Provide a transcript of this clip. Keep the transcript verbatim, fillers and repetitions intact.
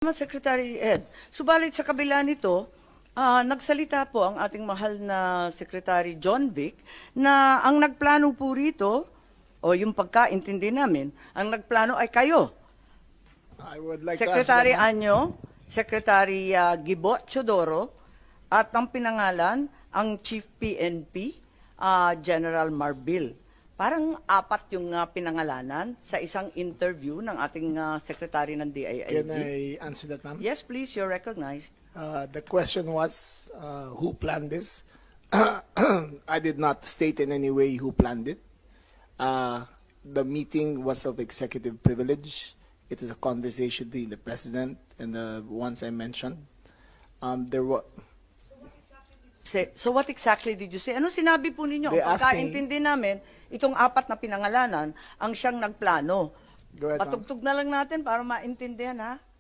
Secretary Ed, subalit sa kabila nito, ah, nagsalita po ang ating mahal na Secretary John Vic na ang nagplano po rito, o yung pagkaintindi namin, ang nagplano ay kayo. I would like Secretary to answer that. Anyo, Secretary ah, Gibo Chodoro, at ang pinangalan, ang Chief P N P, ah, General Marbil. Parang apat yung ah, pinangalanan sa isang interview ng ating ah, Secretary ng D I I G. Can I answer that, ma'am? Yes, please, you're recognized. Uh, the question was, uh, who planned this? I did not state in any way who planned it. Uh, the meeting was of executive privilege. It is a conversation between the president and the ones I mentioned. Um, there was. Say- So what exactly did you say? Ano sinabi po ninyo? They Ang asked me- pagkaintindi namin, itong apat na pinangalanan, ang siyang nagplano. Go ahead, ma'am. Patugtog na lang natin para maintindihan, ha?